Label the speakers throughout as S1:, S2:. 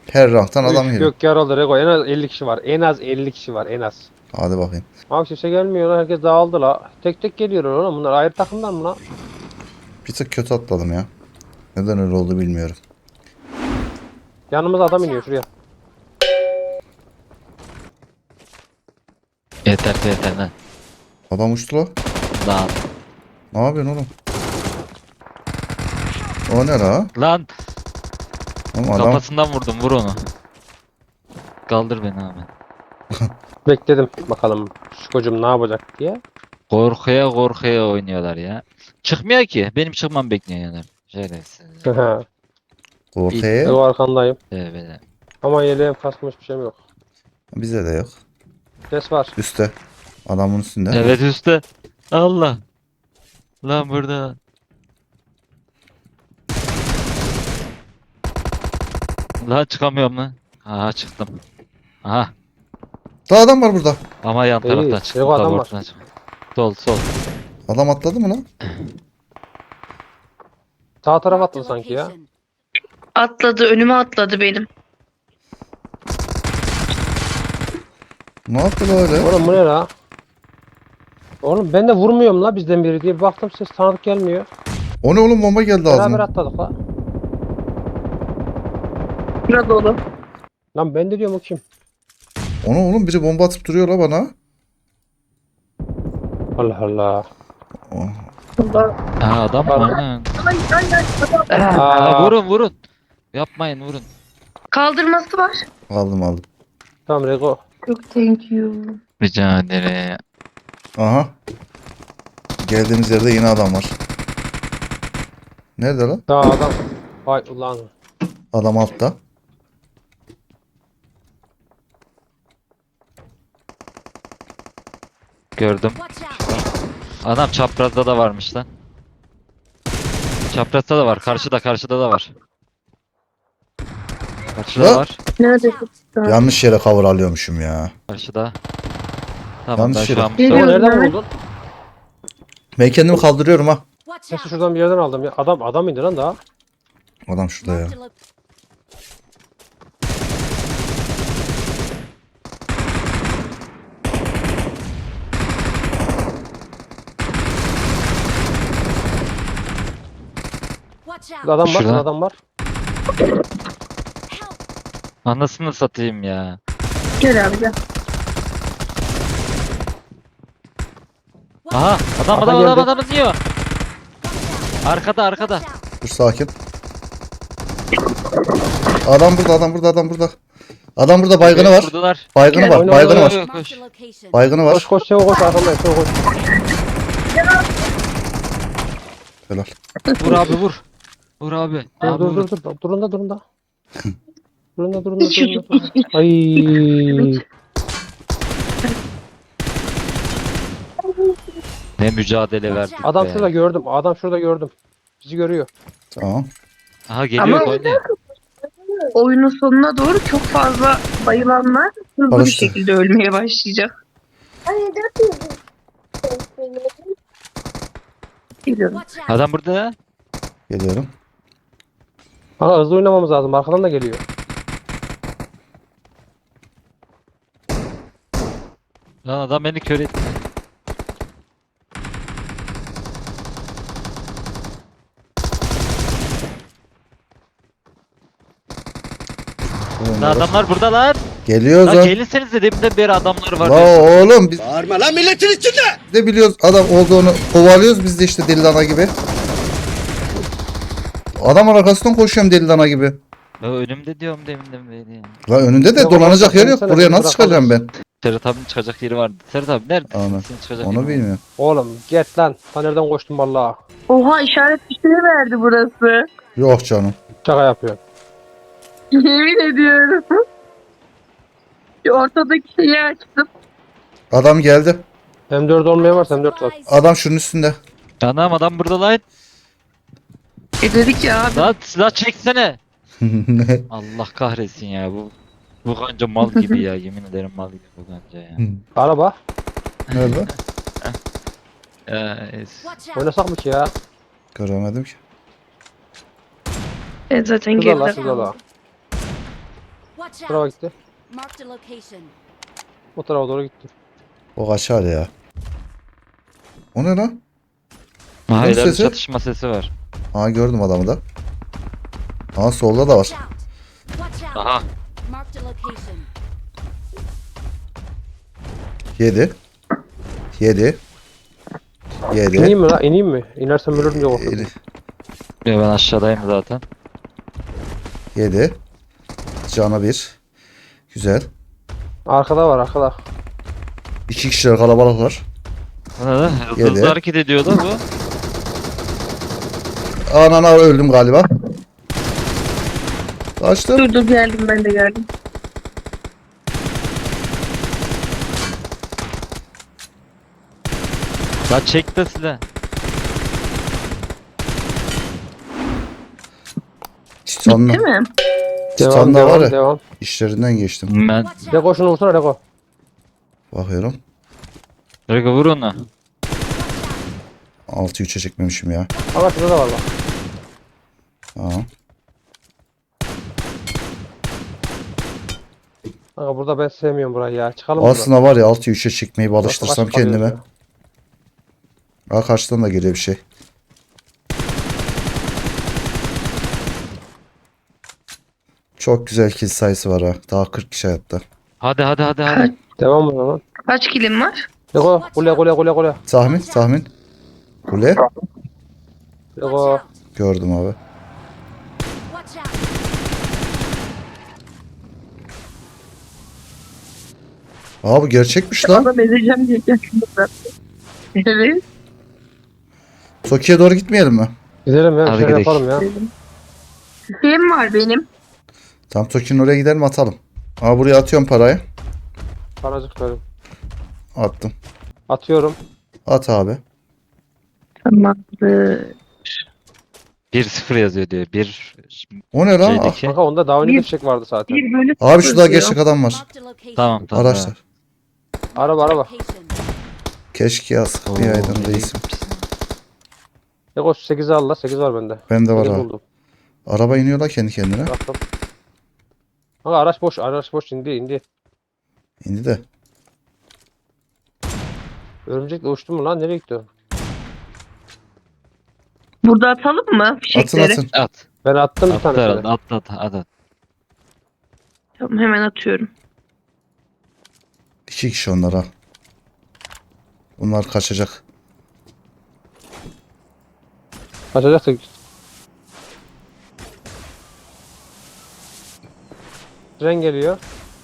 S1: Her ranktan adam
S2: Üf,
S1: geliyor.
S2: gök yarıldı Rego. En az 50 kişi var. En az 50 kişi var en az.
S1: Hadi bakayım.
S2: Abi kimse gelmiyor lan. Herkes dağıldı la. Tek tek geliyorlar oğlum. Bunlar ayrı takımdan mı lan?
S1: Bir tık kötü atladım ya. Neden öyle oldu bilmiyorum.
S2: Yanımıza adam iniyor şuraya.
S3: Yeter yeter lan.
S1: Adam uçtu la.
S3: Lan.
S1: Ne yapıyorsun oğlum? O ne la?
S3: Lan
S1: Oğlum adam
S3: kafasından vurdum, vur onu. Kaldır beni abi.
S2: Bekledim bakalım şu kocam ne yapacak diye.
S3: Korkuya korkuya oynuyorlar ya. Çıkmıyor ki. Benim çıkmam bekliyor yani. Şerefsiz.
S1: ortaya.
S2: Rego arkandayım.
S3: Böyle.
S2: Ama yeleğim kasmış bir şeyim yok.
S1: Bize de yok.
S2: Ses var.
S1: Üste. Adamın üstünde.
S3: Evet üstte. Allah. Lan burada. Lan çıkamıyorum lan. Aha çıktım. Aha.
S1: Daha adam var burada.
S3: Ama yan
S2: İyi,
S3: taraftan çıktım.
S2: yok, adam
S3: Tam
S2: var.
S3: ortadan çıktım. Sol sol.
S1: Adam atladı mı lan?
S2: Sağ taraf atladı sanki ya.
S4: Atladı, önüme atladı benim.
S1: Ne yaptı böyle?
S2: Oğlum bu ne la? Oğlum ben de vurmuyorum la bizden biri diye. Bir baktım ses tanıdık gelmiyor.
S1: O ne oğlum, bomba geldi
S2: Beraber
S1: ağzıma.
S2: atladık la.
S4: Burada dolu.
S2: Lan ben de diyorum o kim?
S1: Ona oğlum biri bomba atıp duruyor la bana.
S2: Allah Allah.
S1: Oh.
S4: Burada.
S3: Aha adam mı?
S2: Pardon.
S3: Aynen.
S4: Adam.
S3: Aa, vurun vurun. Yapmayın vurun.
S4: Kaldırması var.
S1: Aldım.
S2: Tamam Rego.
S4: Çok thank you.
S3: Rica ederim.
S1: Aha. Geldiğimiz yerde yine adam var. Nerede lan?
S2: Daha adam. Vay ulan.
S1: Adam altta.
S3: Gördüm. Adam çaprazda da varmış lan. Çaprazda da var. Karşıda da var. Karşıda
S1: La-
S3: var.
S4: Nerede?
S1: Yanlış yere cover alıyormuşum ya.
S3: Karşıda. Tamam
S1: Yanlış
S3: ben
S1: yere.
S3: şu an
S4: Geliyor.
S2: Rego
S3: Mustafa.
S2: nereden
S4: Mehmet.
S2: buldun?
S1: Ben kendimi kaldırıyorum ha.
S2: Sesi şuradan bir yerden aldım ya. Adam indi lan daha.
S1: Adam şurada ya.
S2: Adam var,
S3: Şurada.
S2: adam var.
S3: Anasını satayım ya.
S4: Gel abi gel.
S3: Aha adam
S2: Aha,
S3: adam
S2: geldi.
S3: adam adam diyor. Arkada.
S1: Dur sakin. Adam burada, adam burada, adam burada. Adam burada, baygını var.
S3: Vurdular.
S1: Baygını
S4: Gel,
S1: var,
S2: oyna,
S1: baygını
S2: oyna,
S1: var.
S3: Yok, koş.
S1: Baygını
S2: Koş
S1: var.
S2: koş Sevo koş arkandayım Sevo koş.
S1: Helal.
S3: Vur abi vur. Vur abi.
S2: Dur
S3: Abi
S2: dur
S3: vur.
S2: dur dur. Durun da. Durun da. Ay.
S3: Ne mücadele verdik
S2: Adam
S3: be.
S2: şurada gördüm. Adam şurada gördüm. Bizi görüyor.
S1: Tamam.
S3: Aha geliyor
S4: Ama-
S3: oynuyor.
S4: Oyunun sonuna doğru çok fazla bayılanlar hızlı bir
S1: Alıştı.
S4: şekilde ölmeye başlayacak. Geliyorum.
S3: Adam burada.
S1: Geliyorum.
S2: Ama hızlı oynamamız lazım. Arkadan da geliyor.
S3: Lan adam beni kör etti. Lan adamlar burada lan.
S1: Geliyoruz
S3: Lan
S1: lan.
S3: gelirsenize deminden beri adamlar var.
S1: La oğlum biz bağırma lan milletin içinde. De biliyoruz adam olduğunu kovalıyoruz biz de işte deli dana gibi. Adam arkasından koşuyorum deli dana gibi.
S3: Ya önümde diyorum deminden beri ya.
S1: La önünde de
S2: Ya
S1: dolanacak
S2: oğlum,
S1: yer yok.
S2: sen
S1: Buraya
S2: beni
S1: nasıl çıkacağım ben?
S3: Serhat abinin çıkacak yeri vardı. Serhat abi nerede?
S1: Ana,
S3: Senin çıkacak
S1: Onu
S3: yerin var.
S1: bilmiyorum.
S2: Oğlum get lan. Ta nereden koştun vallahi.
S4: Oha işaret bir şey verdi burası.
S1: Yok canım.
S2: Şaka yapıyor.
S4: Yemin ediyorum. Şu ortadaki şeyi açtım.
S1: Adam geldi.
S2: M4 olmayan varsa M4 var.
S1: Adam şunun üstünde.
S3: Anam adam burada lan.
S4: Dedik ya abi.
S3: Lan silah çeksene. Allah kahretsin ya bu kanca mal gibi ya yemin ederim mal gibi bu kanca ya.
S2: Araba.
S1: Nerede?
S2: Oynasak mı ki ya?
S1: Göremedim ki.
S4: Zaten
S2: Şurada la
S4: geride
S2: şurada la.
S5: Watch
S2: Bu tarafa
S5: out.
S2: gitti.
S5: Marked a location.
S2: O tarafa doğru gitti.
S1: O kaçar ya. O ne lan?
S3: Aha
S1: Bunun
S3: ileride
S1: sesi?
S3: çatışma sesi var.
S1: Aa gördüm adamı da. Aa solda da var.
S5: Watch out. Watch out.
S3: Aha.
S5: Marked a location.
S1: 7. 7. 7.
S2: İneyim mi la? İneyim mi? İnersem ölürüm diye korkuyorum.
S3: Ya ben aşağıdayım zaten.
S1: 7. Cana 1. Güzel.
S2: Arkada var arkada.
S1: 2 kişiler kalabalıklar.
S3: Bu ne lan? Hızlı
S1: Yedi.
S3: hızlı hareket ediyor da bu.
S1: Anana öldüm galiba. Kaçtım.
S4: Dur geldim, ben de geldim.
S3: La çek de silah.
S1: Titan'la.
S4: Değil mi?
S1: Titan'da var ya.
S2: Devam.
S1: İşlerinden geçtim.
S3: Ben
S5: Watch out.
S2: Reko şunu vursana Reko.
S1: Bakıyorum.
S3: Rego vur onu.
S1: 6-3'e çekmemişim ya.
S2: Ama şurada da var bak.
S1: Aa.
S2: Kanka burada ben sevmiyorum burayı ya. Çıkalım buradan.
S1: Aslında var ya 6-3'e çekmeyi bir
S2: Burası
S1: alıştırsam
S2: başka kalıyor
S1: kendime.
S2: ya.
S1: Aa karşıdan da geliyor bir şey. Çok güzel kill sayısı var ha. Daha 40 kişi hayatta.
S3: Hadi hadi hadi hadi.
S2: Devam o zaman.
S4: Kaç kilim var?
S2: Reko kule.
S1: Tahmin. Kule.
S5: Watch
S2: Reko.
S5: out.
S1: Gördüm abi.
S5: Watch out.
S1: Aa bu gerçekmiş lan.
S4: Adam ezeceğim diye geldim zaten. Evet.
S1: Toki'ye doğru gitmeyelim mi?
S2: Gidelim ya.
S3: Hadi
S2: Şey
S3: gidelim.
S2: yapalım ya.
S4: Tüfeğim var benim.
S1: Tam Toki'nin oraya gidelim atalım. Aa buraya atıyorum parayı.
S2: Paracık verim.
S1: Attım.
S2: Atıyorum.
S1: At abi.
S4: Tamamdır.
S3: 1-0 yazıyor diyor. Bir
S1: O ne lan?
S3: şeydeki.
S2: Kanka onda daha önce de
S4: Bir-
S2: fişek vardı zaten.
S4: 1 bölü
S1: Abi
S4: 0
S1: şurada
S4: diyor.
S1: gerçek adam var.
S5: Marked a location.
S3: Tamam tamam.
S1: Araçlar.
S2: Araba.
S5: Location.
S1: Keşke yaz.
S3: tamam.
S1: Bir
S3: Oo,
S1: aydan
S3: iyi
S1: reisim.
S3: gitmişsin.
S2: Reko 8'i al la. 8 var bende.
S1: Bende var
S2: 8
S1: ha.
S2: buldum.
S1: Araba iniyor la kendi kendine.
S2: Bıraktım. Kanka araç boş. Araç boş indi.
S1: İndi de.
S2: Örümcekle uçtu mu lan? Nereye gitti o?
S4: Burada atalım mı
S1: Atın
S4: fişekleri?
S1: atın.
S3: At.
S2: Ben attım bir
S3: At
S2: tane.
S3: herhalde. At.
S4: Tamam, hemen atıyorum.
S1: 2 kişi onlar ha. Bunlar kaçacak.
S2: Kaçacaksa tren geliyor.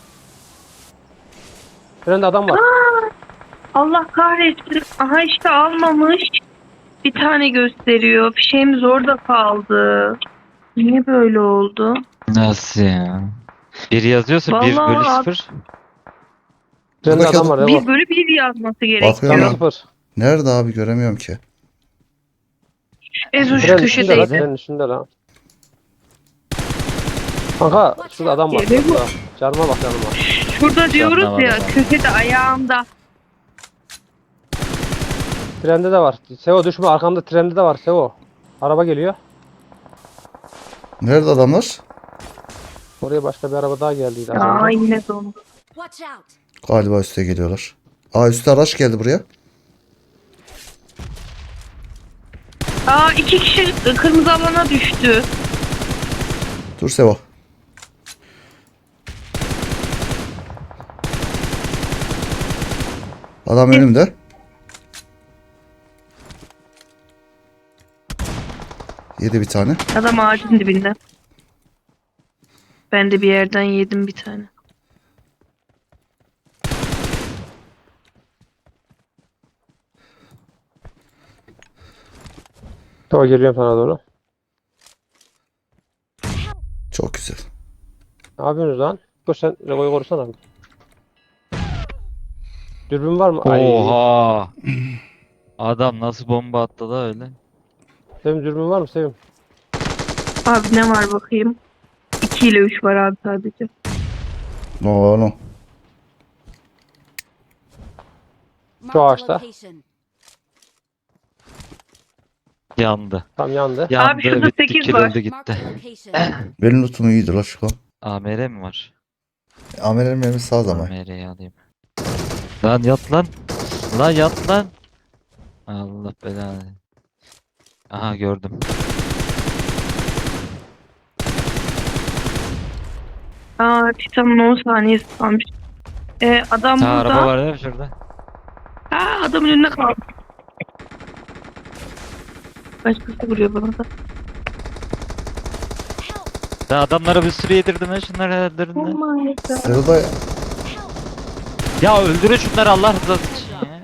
S2: Trende adam var.
S4: Allah kahretsin. Aha işte almamış. Bir tane gösteriyor. Fişeğimiz orada kaldı. Niye böyle oldu?
S3: Nasıl ya? Bir yazıyorsa 1
S4: Vallahi
S3: bölü
S4: at.
S3: 0.
S2: Trende
S1: Buradaki
S2: adam var.
S1: adam-
S2: Reko.
S4: 1 bölü 1 yazması
S1: Bakıyorum
S2: Canı
S1: ya.
S4: gerekiyor.
S2: sıfır.
S1: Nerede abi göremiyorum ki.
S4: Ezo şu
S2: Trenin üstünde lan.
S4: köşedeydi.
S2: Trenin üstünde lan. Kanka şurada adam var.
S4: Geliyor mu?
S2: Şurada. Canıma bak canıma.
S4: Şurada diyoruz
S3: anlamadım
S4: ya,
S3: ben.
S4: köşede ayağımda.
S2: Trende de var. Sevo düşme arkamda trende de var Sevo. Araba geliyor.
S1: Nerede adamlar?
S2: Oraya başka bir araba daha geldiydi az
S4: Aa
S2: önce.
S4: yine dondu.
S5: Watch out.
S1: Galiba üste geliyorlar. Aa üstte araç geldi buraya.
S4: Aa 2 kişi kırmızı alana düştü.
S1: Dur Sevo. Adam önümde. Yedi bir tane.
S4: Adam ağacın dibinde. Ben de bir yerden yedim bir tane.
S2: Sevo geliyorum sana doğru.
S1: Çok güzel.
S2: Ne yapıyorsunuz lan? Koş sen Rego'yu korusana. Dürbün var mı? Ay.
S3: Oha. Adam nasıl bomba attı da öyle.
S2: Sevim dürbün var mı Sevim?
S4: Abi ne var bakayım. 2 ile 3 var abi sadece.
S1: Ne oğlum?
S5: Marked a
S2: ağaçta.
S5: location.
S3: Yandı.
S2: Tam yandı.
S3: Yandı
S4: şurada
S3: bitti
S4: 8
S3: kırıldı
S4: var.
S5: Marked
S3: gitti.
S5: a location.
S1: Benim lootum iyiydi la şu an.
S3: AMR mi var?
S1: Amer'in mermisi sağ zaman.
S3: Kamerayı alayım. Lan yat lan. Lan yat lan. Allah belanı. Aha gördüm.
S4: Titan'ın 10 saniyesi kalmış. Adam
S3: Ha,
S4: burada.
S3: araba var değil mi şurada?
S4: Adamın önüne kaldı. Başkası vuruyor bana da.
S5: Help!
S3: Ya adamlara bir sürü yedirdim ya, şunları öldürdüm
S4: Oh
S3: ya.
S4: my god.
S1: Sırada
S3: Ya öldürün şunları Allah rızası için ya.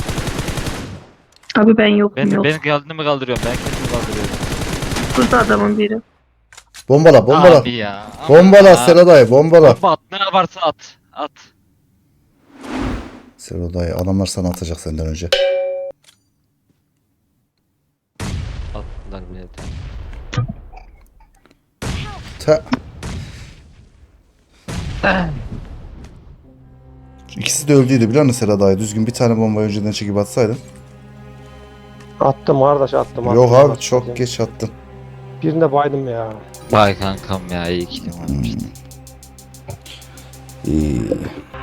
S4: Abi ben yokum yok.
S3: Ben kendimi kaldırıyorum, ben kendimi kaldırıyorum.
S4: Burada adamın biri.
S1: bombala bombala.
S3: Abi ya. ama
S1: Bombala
S3: ya.
S1: Selo dayı bombala.
S3: Bomba at, ne yaparsa at. At.
S1: Selo dayı adamlar sana atacak senden önce.
S3: Attılar bile.
S1: Ta. İkisi de öldüydü biliyor musun Selo dayı? Düzgün bir tane bombayı önceden çekip atsaydın.
S2: Attım kardeş attım.
S1: Yok
S2: attım.
S1: abi çok geç attın.
S2: Birinde baydım ya.
S3: Vay kankam ya, iyi ki varmıştı.
S1: İyi.